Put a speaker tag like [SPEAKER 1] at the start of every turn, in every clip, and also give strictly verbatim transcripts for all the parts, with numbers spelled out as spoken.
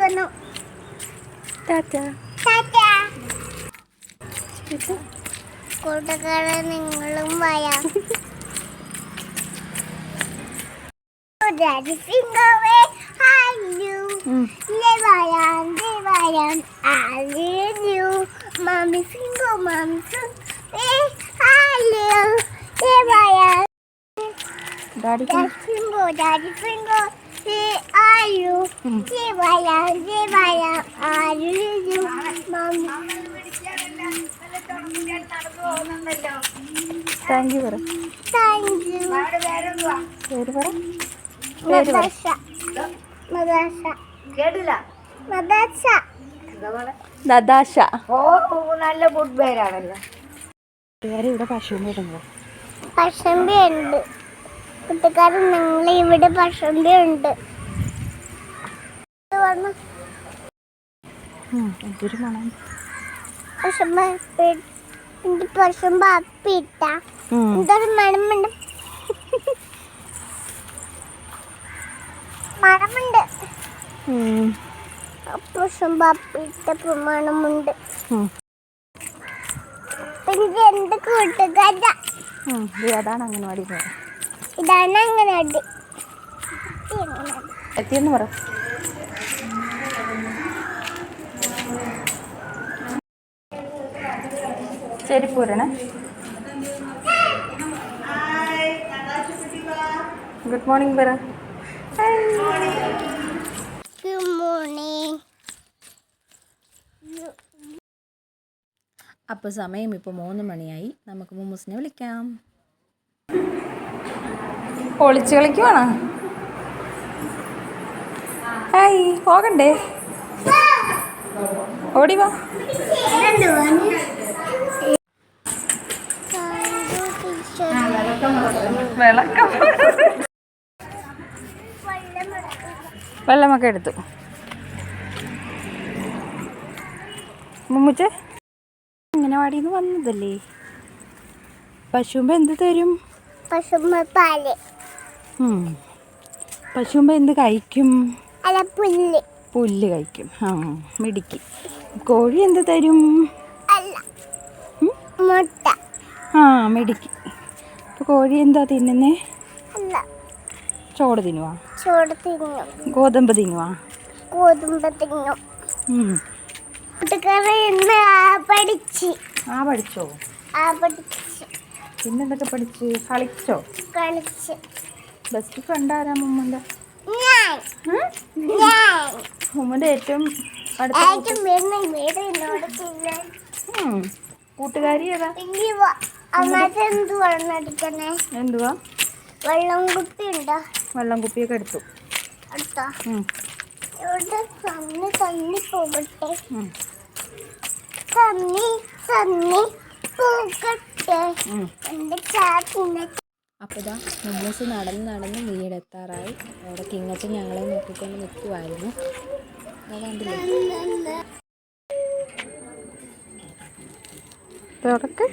[SPEAKER 1] പോന്നു.
[SPEAKER 2] ടാറ്റാ.
[SPEAKER 1] കൂട്ടുകാരെ നിങ്ങളും വരാം. Daddy finger way, hello. Levayan, levayan, I love you. Mommy finger, mommy finger, hello. Levayan.
[SPEAKER 2] Daddy
[SPEAKER 1] finger, daddy finger, hello. Levayan, levayan, I love you. Mommy.
[SPEAKER 2] Thank you, Vera.
[SPEAKER 1] Thank you.
[SPEAKER 2] പേര് പറ.
[SPEAKER 1] മദാശ. മദാശ.
[SPEAKER 3] കേട്ടില്ല.
[SPEAKER 1] മദാശ.
[SPEAKER 2] നദാശ.
[SPEAKER 3] ഓ നല്ല food പേരാണല്ലോ.
[SPEAKER 2] ഇവിടെ പശുവിനെ ഇടുന്നു.
[SPEAKER 1] പശമ്പി ഉണ്ട് കൂട്ടുകാരൻ, നിങ്ങൾ ഇവിടെ പശമ്പി ഉണ്ട്.
[SPEAKER 2] എന്തൊരു മണം.
[SPEAKER 1] പശമ്പ പശമ്പ അപ്പിട്ട എന്തൊരു മണമുണ്ട്. മണമുണ്ട്. പശമ്പ അപ്പിട്ട മണമുണ്ട്. എനിക്ക് എന്ത് കൂട്ടുകാര.
[SPEAKER 2] അതാണ് അംഗൻവാടി പോയത്.
[SPEAKER 1] ഇതാണ് അംഗൻവാടി.
[SPEAKER 2] എത്തിയെന്ന് പറ. ശരി പോരണേ. ഗുഡ് മോർണിംഗ് പറ.
[SPEAKER 1] Good morning.
[SPEAKER 2] അപ്പോൾ സമയം ഇപ്പോൾ മൂന്ന് മണിയായി. നമുക്ക് മുമ്മൂസിനെ വിളിക്കാം. ഒളിച്ച് കളിക്കുവാണോ? ഹായ്, പോകണ്ടേ? ഓടിവാ. വിളക്കം വെള്ളമൊക്കെ എടുത്തു. മുമ്മുച്ച ഇങ്ങനെ വാടിന്ന് വന്നതല്ലേ. പശുമ്പ എന്ത് തരും?
[SPEAKER 1] പശുമ്പ പാല്.
[SPEAKER 2] പശുമ്പ എന്ത് കഴിക്കും?
[SPEAKER 1] അല്ല, പുല്ല്.
[SPEAKER 2] പുല്ല് കഴിക്കും. ആ, മിടിക്ക്. കോഴി എന്ത് തരും?
[SPEAKER 1] അല്ല, മുട്ട.
[SPEAKER 2] ആ, മിടിക്ക്. അപ്പോൾ കോഴി എന്താ തിന്നുന്നേ?
[SPEAKER 1] അല്ല,
[SPEAKER 2] ചോറ് തിന്നുവാ?
[SPEAKER 1] ചോറ് തിന്നും.
[SPEAKER 2] ഗോതമ്പ് തിന്നുവാ?
[SPEAKER 1] ഗോതമ്പ് തിന്നും. കൂട്ടുകാരെ ഇന്ന് ആ പഠിച്ച്.
[SPEAKER 2] ആ പഠിച്ചോ?
[SPEAKER 1] ആ പഠിച്ച്.
[SPEAKER 2] പിന്നെന്തൊക്കെ പഠിച്ച്? കളിച്ചോ?
[SPEAKER 1] കളിച്ച്.
[SPEAKER 2] ബെസ്റ്റ് ഫ്രണ്ട് ആരാ മുമ്മൻ്റെ?
[SPEAKER 1] ഞാൻ. ഞാൻ.
[SPEAKER 2] മുമ്മൻ്റെ ഏറ്റവും അടുത്ത കൂട്ടുകാരി ഏതാ? എന്തുവാ?
[SPEAKER 1] വെള്ളം കുപ്പി ഉണ്ടോ?
[SPEAKER 2] വെള്ളം കുപ്പിയൊക്കെ എടുത്തു.
[SPEAKER 1] അടുത്താ ഇവിടെ തന്നി തന്നി പോകട്ടെ. തന്നി തന്നി പോകട്ടെ എൻ്റെ ചാറ്റിൻ്റെ.
[SPEAKER 2] അപ്പോൾ ഇതാ മുമ്മൂസ് നടന്ന് നടന്ന് വീടെത്താറായി. അവിടെ കിങ്ങച്ചൻ ഞങ്ങളെ നോക്കിക്കൊണ്ട് നിൽക്കുമായിരുന്നു. അതാണ്ടില്ലേ തുടക്കം.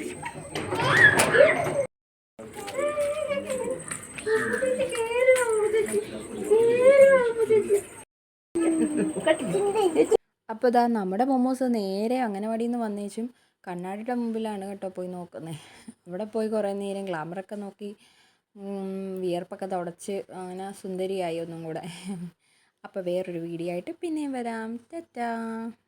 [SPEAKER 2] അപ്പോൾ ഇതാ നമ്മുടെ മൊമ്മൂസ് നേരെ അംഗനവാടിയിൽ നിന്ന് വന്നേച്ചും കണ്ണാടിയുടെ മുമ്പിലാണ് കേട്ടോ പോയി നോക്കുന്നത്. അവിടെ പോയി കുറേ നേരം ഗ്ലാമറൊക്കെ നോക്കി വിയർപ്പൊക്കെ തുടച്ച് അങ്ങനെ സുന്ദരിയായി ഒന്നും കൂടെ. അപ്പോൾ വേറൊരു വീഡിയോ ആയിട്ട് പിന്നെയും വരാം. ടാറ്റാ.